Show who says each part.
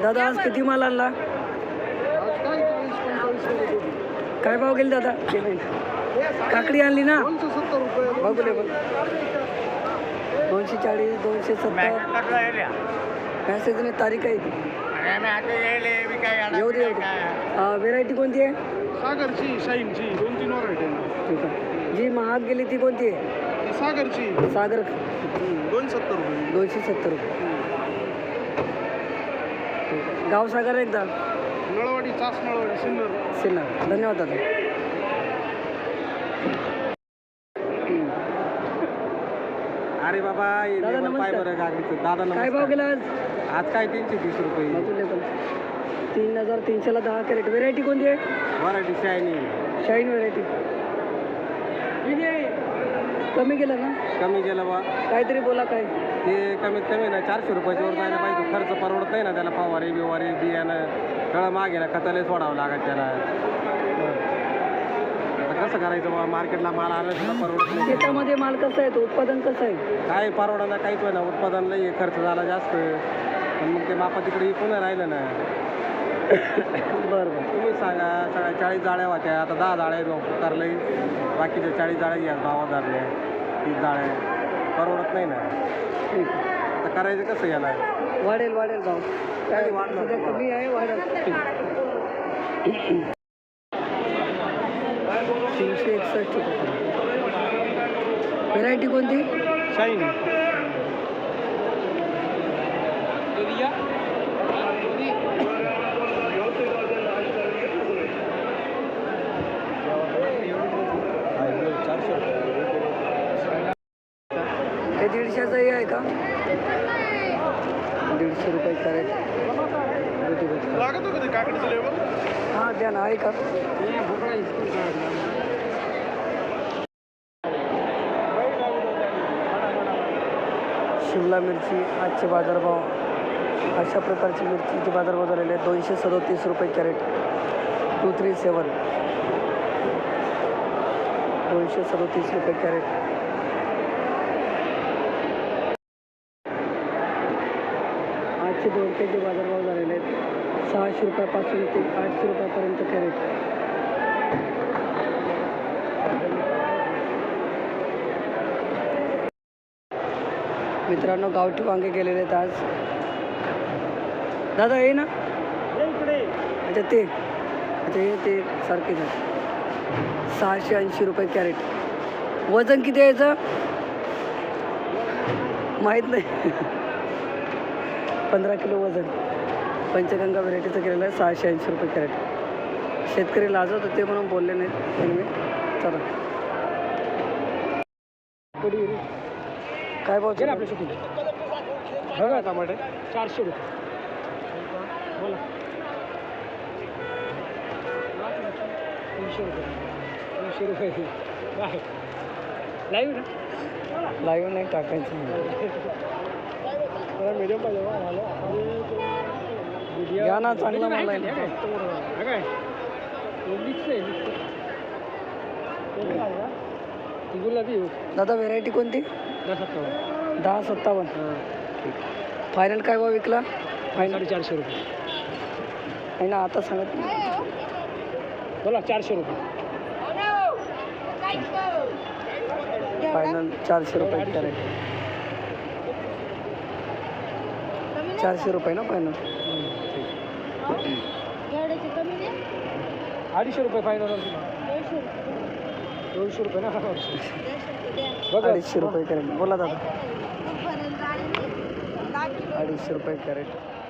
Speaker 1: दादा आज किती माल आणला? काय भाव गेले दादा? काकडी आणली ना?
Speaker 2: 270 रुपये.
Speaker 1: बघूले बघ 240 270 मॅसेजने तारीख आहे ती. येऊ दे व्हेरायटी कोणती आहे?
Speaker 2: सागरची शाईनची 2-3 व्हरायटी आहे.
Speaker 1: ठीक आहे. जी महाग गेली ती कोणती आहे?
Speaker 2: सागरची
Speaker 1: सागर
Speaker 2: 270 रुपये.
Speaker 1: 270 रुपये. गाव सागर एकदा
Speaker 2: नळवाडी चास नळवाडी सिन्नर.
Speaker 1: सिन्नर. धन्यवाद दादा.
Speaker 2: अरे बाबा
Speaker 1: दादा नमस्कार.
Speaker 2: दादा
Speaker 1: काय भाव गेला आज?
Speaker 2: आज काय 330 रुपये.
Speaker 1: 3300ला 10 कॅरेट. व्हेरायटी कोणती आहे?
Speaker 2: Variety shiny.
Speaker 1: Shine variety. कमी केलं ना?
Speaker 2: कमी गेलं बा.
Speaker 1: काहीतरी बोला काय.
Speaker 2: ते कमीत कमी ना 400 रुपयाच्या वर जायला पाहिजे. खर्च परवडत नाही ना त्याला. फवारी बिवारी बियाणं सगळं मागे ना खताले सोडावं लागत त्याला. आता कसं करायचं बा? मार्केटला माल आला सुद्धा परवडत नाही.
Speaker 1: शेतामध्ये माल कसा आहे? तो उत्पादन कसं आहे?
Speaker 2: काय परवडा काहीच ना. उत्पादन लई खर्च झाला जास्त. पण मग ते मापा तिकडे इकून राहिलं ना.
Speaker 1: बरं बरं.
Speaker 2: तुम्ही सांगा. सगळ्या 40 जाळ्या होत्या. आता 10 जाळ्या करले. बाकीच्या 40 जाळ्या घ्या भावात धरल्या. 30 जाळ्या परवडत नाही ना.
Speaker 1: ठीक.
Speaker 2: आता करायचं कसं याला?
Speaker 1: वाढेल भाव. काय वाढलं? कमी आहे वाढेल. 361 रुपये. व्हेरायटी कोणती?
Speaker 2: शाईन.
Speaker 1: हे 150चं आहे का? 150 रुपये कॅरेट.
Speaker 2: लागत होतं काकडीचं लेवल.
Speaker 1: हां द्या ना. आहे का? शिमला मिरची आजचे बाजारभाव. अशा प्रकारची मिरचीचे बाजारभाव झालेले आहेत. 237 रुपये कॅरेट. 237 237 रुपये कॅरेट. आजचे दोडक्याचे बाजारभाव झालेले आहेत. 600 रुपयापासून ते 800 रुपयापर्यंत कॅरेट. मित्रांनो गावठी वांगे गेलेले आहेत आज. दादा हे ना? अच्छा ते ते सारखेच आहे. 680 रुपये कॅरेट. वजन किती आहे याचं? माहीत नाही. 15 किलो वजन. पंचगंगा व्हेरायटीचं केलेलं आहे. 680 रुपये कॅरेट. शेतकरी लाजत होते म्हणून बोलले नाहीत. एनिवे चला. काय भाव आपल्या शेती?
Speaker 2: बघा टमाटे 400 रुपये.
Speaker 1: बोला. 300 रुपये. 300 रुपये. लाईव्ह ना? लाईव्ह नाही टाकायचं.
Speaker 2: मीडियम पाहिजे.
Speaker 1: घ्या ना. चांगला माल आहे. दादा व्हेरायटी कोणती? 1057. फायनल काय भाव विकला? फायनल 400 रुपये आहे ना. आता सांगत
Speaker 2: बोला 400 रुपये.
Speaker 1: फायनल 400 रुपये कॅरेट. 400 रुपये ना फायनल.
Speaker 2: 250 रुपये फायनल. 200 रुपये ना.
Speaker 1: 250 रुपये कॅरेट. बोला दादा. 250 रुपये कॅरेट.